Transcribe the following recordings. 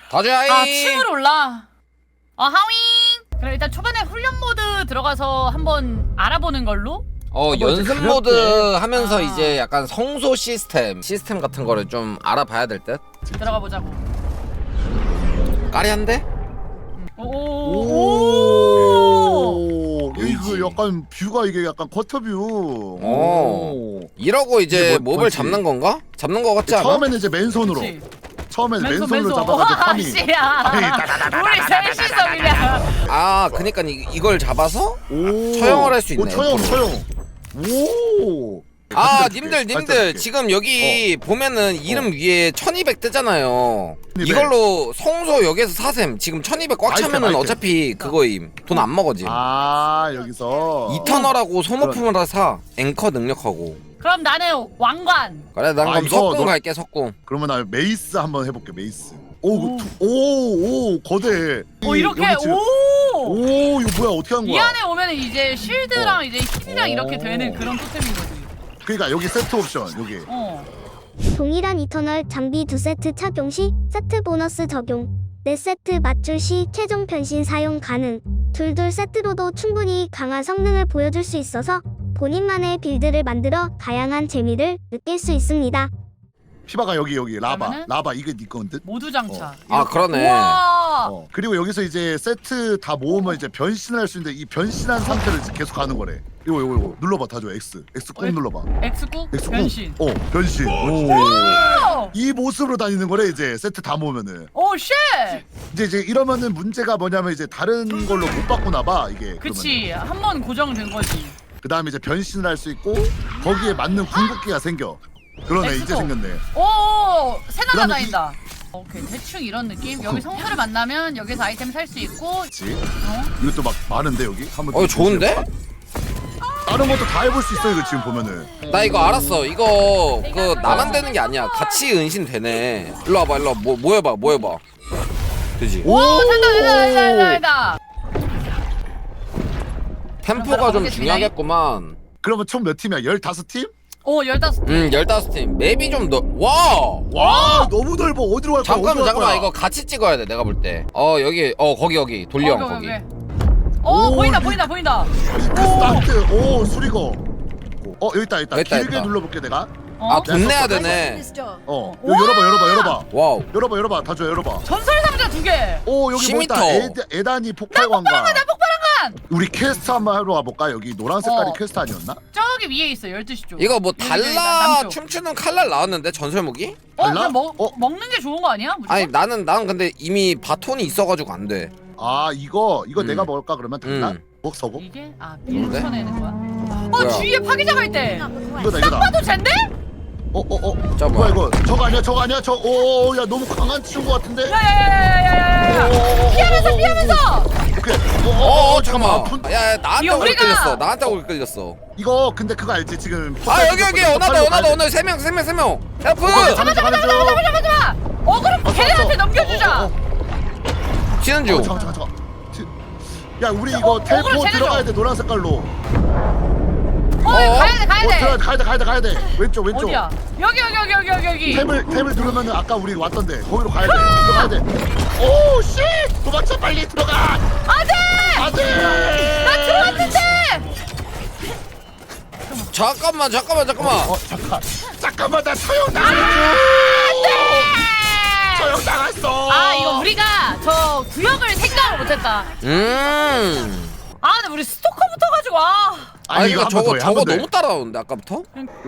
가자이. 아 층으로 올라. 하윙. 그럼 일단 초반에 훈련 모드 들어가서 한번 알아보는 걸로. 연습 그렇게. 모드 하면서 아. 이제 약간 성소 시스템 같은 거를 좀 알아봐야 될 듯. 들어가 보자고. 까리한데? 오. 이거 약간 뷰가 이게 약간 쿼터뷰. 이러고 이제 이게 몹을 뭐지? 잡는 건가? 잡는 거 같지 않아? 처음에는 이제 맨손으로. 그치. 처음에는 맨손으로 잡아가지고 와 파밍. 씨야. 우리 셋이서 그냥. 아, 그니까 이걸 잡아서 오. 처형을 할 수 있네. 처형. 오. 아, 네, 님들 지금 여기 보면은 이름 위에 1200 뜨잖아요. 1200. 이걸로 성소 역에서 사셈. 지금 1200 꽉 아이템, 차면은 아이템. 어차피 그거임. 돈 안 먹어지. 아 여기서 이터널하고 소모품을 다 사. 앵커 능력하고. 그럼 나는 왕관. 그래, 난 그럼 이거 석궁 너- 갈게, 석궁. 그러면 나 메이스 한번 해볼게. 메이스. 오. 오 거대. 이렇게 여기 지금- 오. 오 이거 뭐야 어떻게 한 이 거야? 안에 오면 이제 쉴드랑 이제 힐이랑 이렇게 오. 되는 그런 토템인 거지. 그러니까 여기 세트 옵션 여기. 동일한 이터널 장비 2세트 착용 시 세트 보너스 적용 4세트 맞출 시 최종 변신 사용 가능 둘둘 세트로도 충분히 강한 성능을 보여줄 수 있어서 본인만의 빌드를 만들어 다양한 재미를 느낄 수 있습니다. 피바가 여기 라바. 그러면은? 라바 이게 네 건데. 모두 장착. 아, 그러네. 우와. 그리고 여기서 이제 세트 다 모으면 이제 변신을 할 수 있는데 이 변신한 상태를 이제 계속 가는 거래. 이거 눌러봐 다줘 X 꾹 눌러봐. X국 X 꾹. 변신. 변신. 오. 이 모습으로 다니는 거래 이제 세트 다 모으면은. 오 쉣. 이제 이러면은 문제가 뭐냐면 이제 다른 걸로 못 바꾸나 봐 이게. 그치. 한 번 고정된 거지. 그 다음에 이제 변신을 할 수 있고 거기에 맞는 궁극기가 생겨. 그러네 이제 엑스고. 생겼네. 오. 새 그다음에 날아다닌다. 오케이 대충 이런 느낌. 여기 성소를 만나면 여기서 아이템 살 수 있고. 그렇지. 이것도 막 많은데 여기. 한번 좋은데? 다른 것도 다 해볼 수 있어 이거 지금 보면은. 나 이거 알았어. 이거 나만 되는 게 아니야. 같이 은신 되네. 일로 와봐, 일로 와. 뭐 해봐. 되지? 오 된다. 템포가 좀 가보겠습니다. 중요하겠구만. 그러면 총 몇 팀이야? 15팀? 오 15. 15팀. 맵이 좀 와! 와 너무 넓어. 어디로 갈 거야? 잠깐만. 이거 같이 찍어야 돼, 내가 볼 때. 여기, 거기. 돌리형, 거기. 오 오, 보인다. 스타트. 오 수리거. 여기 있다. 있다, 길게 있다. 눌러볼게 내가. 아, 돈 내야 네. 되네. 이거 열어봐. 와우. 열어봐. 다 줘, 열어봐. 전설 상자 2개. 오 여기 뭐 있다. 10m. 에단이 폭발광과. 나 폭발한간. 우리 퀘스트 한번 하러 와볼까? 여기 노란 색깔이 어. 퀘스트 아니었나? 저기 위에 있어 12시 쪽. 이거 뭐 여기, 달라 남쪽. 춤추는 칼날 나왔는데, 전설 무기? 달라? 그냥 먹는 게 좋은 거 아니야? 무조건? 아니, 나는 근데 이미 바톤이 있어가지고 안 돼. 아 이거 내가 먹을까 그러면 달라? 서고? 이게 뭔데? 밀쳐내는 거야? 뭐야? 주위에 파괴자가 있대. 이거다. 봐도 젠데? 자, 뭐야 뭐야? 이거? 저거 아니야? 야 너무 강한 친구 같은데? 야야야야야야야. 피하면서. 오케이. 잠깐만. 아픈- 야, 나한테 이거 오래 우리가- 끌렸어. 나한테 오래 끌렸어. 이거 근데 그거 알지 지금? 여기 오나다. 3명. 헬프! 가는 중. 잠깐만. 그럼 걔네한테 넘겨주자. 치는 중. 잠깐. 야 우리 이거 텔포 쟤네 들어가야 줘. 돼 노란 색깔로. 가야 돼. 왼쪽. 어디야? 여기. 탭을 누르면은 아까 우리 왔던데 거기로 가야 돼. 들어가야 돼. 오 씨! 도망쳐 빨리 들어가. 안돼. 안돼. 나 들어왔는데. 잠깐만. 잠깐만 나 처형 당했어. 처형 당했어. 이거 우리가 저 구역을 생각을 못했다. 근데 우리 스토커 붙어가지고 아니, 이거 한번 더 해, 저거 한번 더 해. 너무 따라오는데, 아까부터?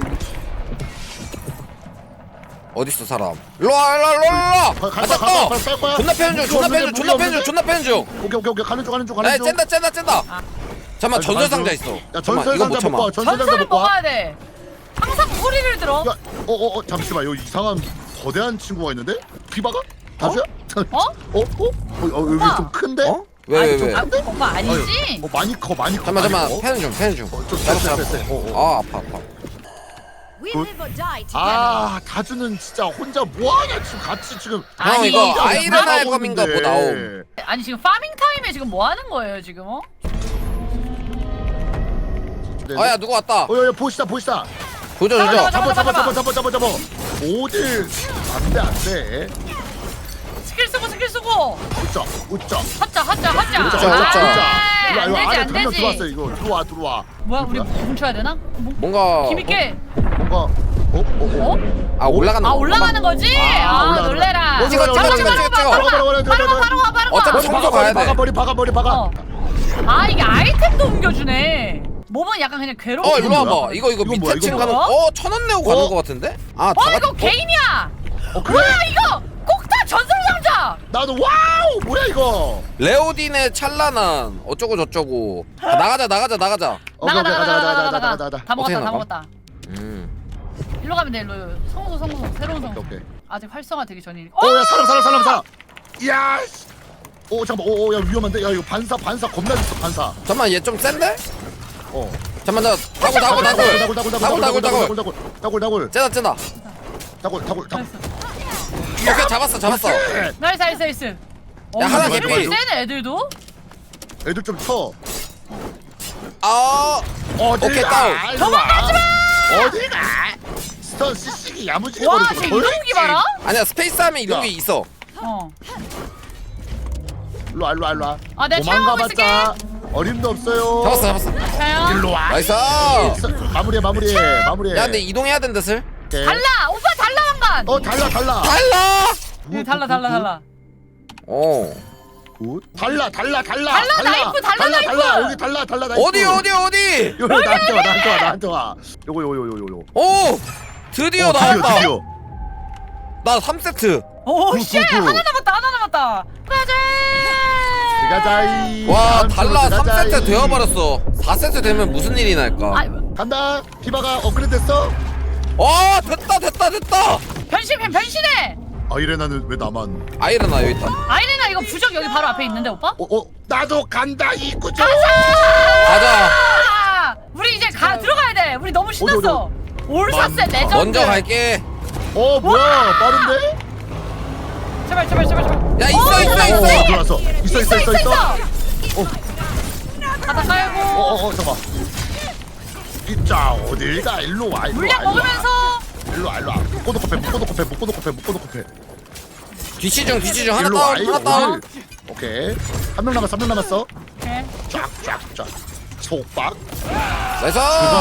어딨어, 사람? 일로와! 가자. 존나 패는 중! 오케이 가는 중. 야, 쨘다! 잠깐만, 전설 상자 있어. 야 잠깐만, 전설 이거 못 상자 참아. 먹고 와. 전설 상자 전설을 먹고 와. 먹어야 돼. 항상 소리를 들어. 야, 잠시만, 여기 이상한 거대한 친구가 있는데? 피바가? 다주야? 여기 좀 큰데? 왜? 오빠 아니지? 많이 커. 잠깐만, 패는 중. 됐어. 아파. 다주는 진짜 혼자 뭐하냐 지금 같이 지금. 형, 이거 아이른 하고 할 거민가 있는데. 보다옴. 아니 지금 파밍 타임에 지금 뭐 하는 거예요 지금? 야, 누구 왔다. 야, 보시다. 조져. 잡아. 어딜? 안 돼. 스킬 쓰고 수고. 웃자 웃자 하자. 웃자, 아, 웃자. 이거 안 되지 안에 안 두명 들어왔어 되지. 이거 들어와 뭐야 우리 뭉쳐야 되나? 뭔가 힘있게. 뭔가 어? 올라가는 아 거. 올라가는 거지? 아 올라가는 놀래라. 거야. 찍어, 잡아, 찍어, 잡아, 찍어, 잡아, 찍어. 바로 가. 어차피 청소 가야 돼. 박아 어. 아 이게 아이템도 옮겨주네. 몸은 약간 그냥 괴로워. 일로 뭐야? 와봐. 이거 이건 밑에 뭐야, 층 이건 가는. 뭐야? 1,000원 내고 가는 거 같은데? 아, 다 이거 개인이야. 그래? 뭐야 이거? 꼭다 전설상자. 나도 와우 뭐야 이거 레오딘의 찬란한 어쩌고 저쩌고. 나가자. 가자 나가. 다 어떻게 먹었다. 다 나가? 먹었다. 일로 가면 돼. 일로. 성소 새로운 성소. 오케이 아직 활성화 되기 전이니까. 오야 사람 이야 씨. 오 잠깐만 오야 위험한데 야 이거 반사 겁나 있어 반사 잠깐만, 얘 좀 센데? 어 잠깐만, 다굴. 쟤다. 다굴 오케이, 잡았어. 나이스. 야, 하나 맞아, 개피. 맞아. 세네 애들도. 애들 좀쳐 아, 오케이, 다운. 도망가지마 어딜 가 스턴 CC기 야무지게 와, 버리고 쟤 이동기 봐라. 아니야, 스페이스 하면 이런 야. 게 있어. 어. 일로와 아, 내가 도망가봤자 촬영하고 어림도 없어요 잡았어. 자요. 일로와 나이스. 마무리해 야, 근데 이동해야 된다, 슬. 오케이. 달라. 오빠 달라 왕관. 달라 달라. 달라. 달라 나이프, 달라, 나이프. 여기 달라 나이프 어디? 요거 나한테 와 요거 오! 드디어 나왔다. 드디어 나 3세트. 오 구, 씨. 구, 구. 하나 남았다. 가자. 가자이 와, 다음 달라 주로 가자이. 3세트 되어버렸어. 4세트 되면 무슨 일이 날까? 아, 간다 피바가 업그레이드 됐어? 됐다. 변신해. 아이레나는 왜 나만 아이러나 여기 있다. 아이레나 이거 부적 여기 바로 앞에 있는데 오빠? 나도 간다 이구죠 가자. 아, 우리 이제 들어가야 돼. 우리 너무 신났어. 올사세 레전드. 먼저 갈게. 뭐야 빠른데? 제발. 야, 있어. 들어왔어 있어 바닥 깔고 잠깐만 진짜 어딜 가 일로 와 물량 먹으면서. 일로 와 묶어놓고 패 뒤치 중 하나 일로 와, 다운. 다운. 오케이 한 명 남았어 오케이. 쫙 속박 나이스.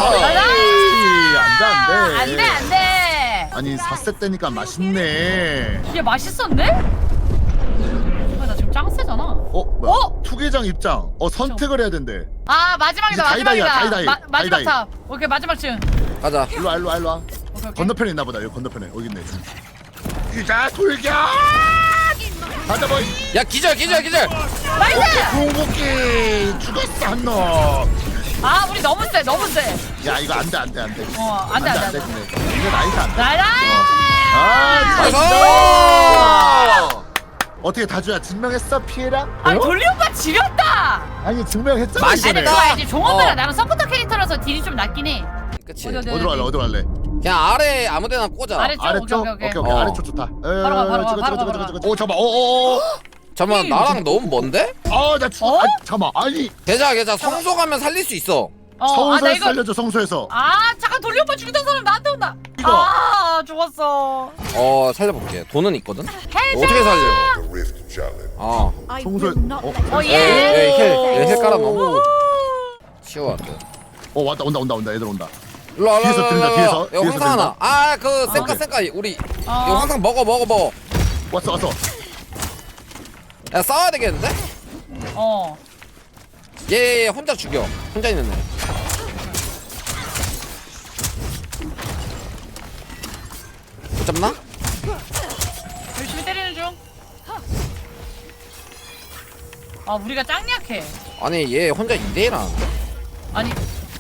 안돼 아니 4세 때니까 맛있네 이게 맛있었네? 나 지금 짱 세잖아. 뭐야 투계장 입장 선택을 해야 된대 아 마지막이다. 이제 다이다이야, 마지막 다이다이. 탑. 오케이 마지막 층. 가자. 일로 와 오케이. 건너편에 있나 보다 여기 건너편에 여기 있네 유자 돌격 가자 보이 야, 기절. 나이스. 궁극기 죽었어 한놈 아 우리 너무 세. 야 이거 안돼 안돼. 근데 이거 나이스 안돼 나이스. 나이스. 어떻게 다주야 증명했어 피해라? 아니 돌리 오빠 지렸다. 아니 증명했잖아 맛있다. 아니 이번에 그거 알지. 종업이랑 어. 나는 서포터 캐릭터라서 딜이 좀 낮긴 해. 그치. 어디? 어디로 갈래? 그냥 아래 아무데나 꽂아. 아래쪽. 아래쪽? 오케이. 오케이 어. 아래쪽 좋다 바로 가. 잠깐만 어어어 잠깐만, 나랑 너무 먼데? 나 죽어 어? 잠깐만 아니 괜찮아. 성소 가면 살릴 수 있어. 나 성소에서 이거. 살려줘 성소에서 잠깐 돌리 오빠 죽이던 사람 나한테 온다. 이거. 죽었어. 살려볼게. 돈은 있거든. 헬자. 어떻게 살려? The Rift Challenge. 성소에 힐 깔아놓어. 치워. 왔다 온다 애들 온다 일로 뒤에서 들린다, 뒤에서. 야, 뒤에서 황상 하나. 오케이. 쌩까. 우리 이거 황상 먹어. 왔어 야, 싸워야 되겠는데? 얘 혼자 죽여. 혼자 있는 애. 못 잡나? 열심히 때리는 중. 우리가 짱 약해. 아니, 얘 혼자 2대1 하는데? 아니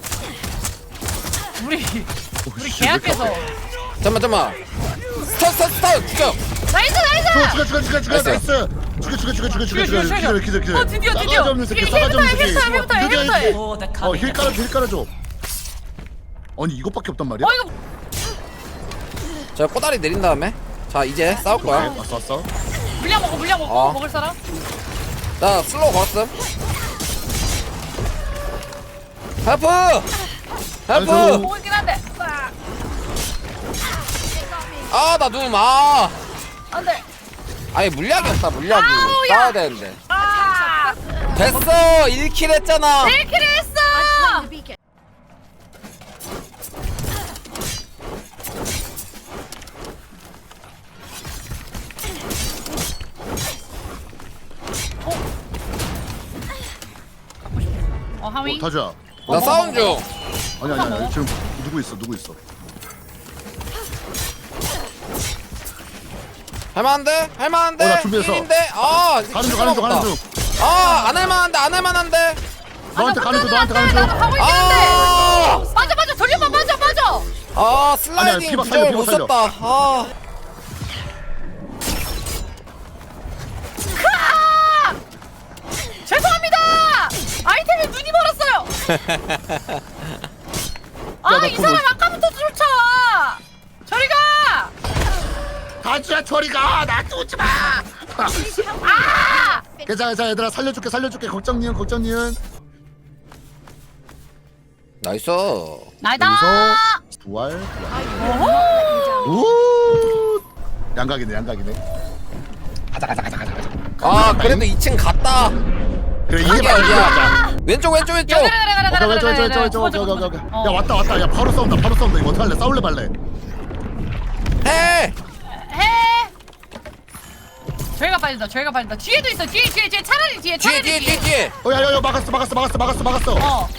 우리 계약해서. 잠깐만. 스턴 죽여. 나이스. 죽여 나이스 죽여 기다려 드디어. 싸가지 없는 새끼 싸가지 없는 새끼 힐부터 해. 힐 깔아줘 아니 이것밖에 없단 말이야? 이거 자, 꼬다리 내린 다음에. 자, 이제 싸울 거야. 왔어 물량 먹고 어. 먹을 사람? 나 슬로우 걸었음. 헬프! 아이고. 보고 있긴 한데. 나 눈, 안돼. 아니 물약이 없다 물약이. 아우야. 싸워야 되는데. 아! 됐어 1킬 했잖아. 1킬 했어! 하위? 다주야. 나 싸움 중. 아니 지금 누구 있어? 할만한데? 할만한데? 나 준비했어. 킬인데? 아 가는 중. 아안 할만한데 안 할만한데? 너한테 가는 중. 나도 가고 있긴 한데! 맞아 돌려봐 맞아 아 슬라이딩 피박 부정을 살려, 못 피박 살려. 썼다. 아 크아! 죄송합니다! 아이템에 눈이 멀었어요! 나 이 사람 아까부터 쫓아! 저리 가! 다주야 저리 가. 나 쫓지 마. 아! 괜찮아 얘들아 살려줄게 걱정 니은. 나이스. 나이다! 여기서 부활. 오. 양각이네. 가자. 아 그래도 2층 갔다. 그래 이게 이게 맞아. 어디야? 왼쪽 왼쪽 왼쪽. 그래. 오케이. 야 왔다. 야 바로 싸운다. 이거 어떡할래? 싸울래 말래? 해. 해! 저희가 빨리다 뒤에도 있어 뒤에 차라리 뒤에 뒤에. 야 막았어.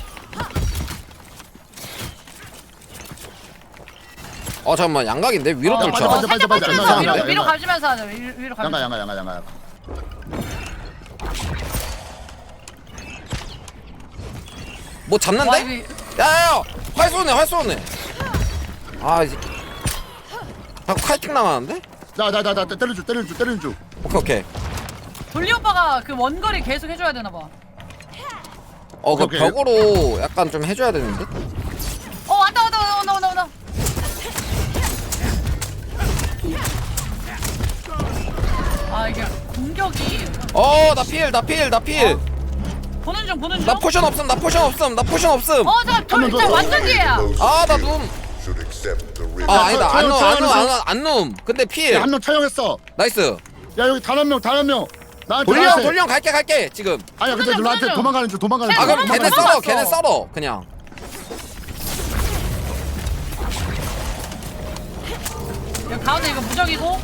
잠깐만 양각인데 위로 야, 뚫쳐. 맞아. 살짝 맞아. 빠지면서 양각. 위로 가지면서 하자 위로 가면서 양가. 뭐 와, 잡는데? 이거- 야야야 활 쏘네. 아 이제 자꾸 칼팅 나가는데? 나 때려줘. 오케이. 돌리 오빠가 그 원거리 계속 해줘야 되나봐 그 오케이. 벽으로 약간 좀 해줘야 되는데? 왔다 이게 공격이 나 필. 보는 중 나 포션 없음. 잠깐 진짜 완전 뒤에야 나 눔. 아니다 안 눔. 근데 필. 한 명 처형했어. 나이스. 야 여기 단 한 명. 나한테 나한테. 돌령 갈게 지금. 아니야 근데 나한테 도망가는 중. 아 그럼 걔네 도망갔어. 썰어 그냥. 여기 가운데 이거 무적이고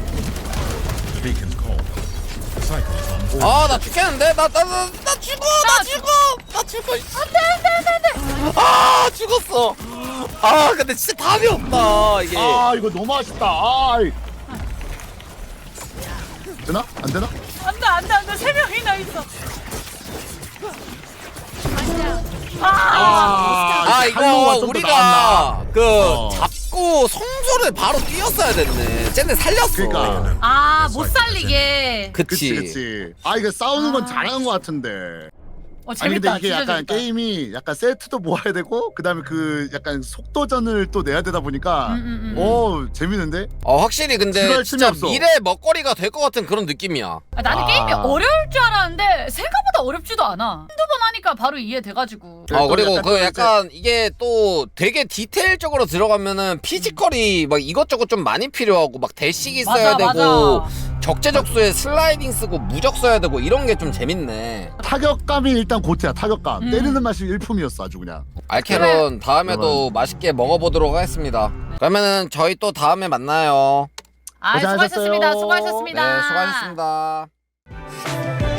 나 죽겠는데? 나 죽어. 안돼. 아 죽었어. 근데 진짜 답이 없다 이게. 이거 너무 아쉽다. 되나? 안 되나? 안돼 3명이나 있어 이거 좀더 우리가 나왔나? 잡고 성소를 바로 뛰었어야 됐네. 쟤네 살렸어. 그러니까. 못 살리게 그치. 이거 싸우는 건 잘하는 것 같은데. 아니 재밌다 근데 이게 진짜 약간 재밌다. 게임이 약간 세트도 모아야 되고 그다음에 그 약간 속도전을 또 내야 되다 보니까 재밌는데? 확실히 근데 지루할 진짜 틈이 없어. 미래 먹거리가 될 것 같은 그런 느낌이야. 나는 게임이 어려울 줄 알았는데 생각보다 어렵지도 않아 한두 번 하니까 바로 이해돼가지고 그리고 또 약간 이게 또 되게 디테일적으로 들어가면은 피지컬이 막 이것저것 좀 많이 필요하고 막 대식이 써야 되고 적재적소에 슬라이딩 쓰고 무적 써야 되고 이런 게 좀 재밌네. 타격감이 일단 고트야. 타격감. 음. 때리는 맛이 일품이었어 아주 그냥. 알케론 다음에도 맛있게 먹어보도록 하겠습니다. 그러면은 저희 또 다음에 만나요. 수고하셨습니다 고생하셨어요. 네, 수고하셨습니다.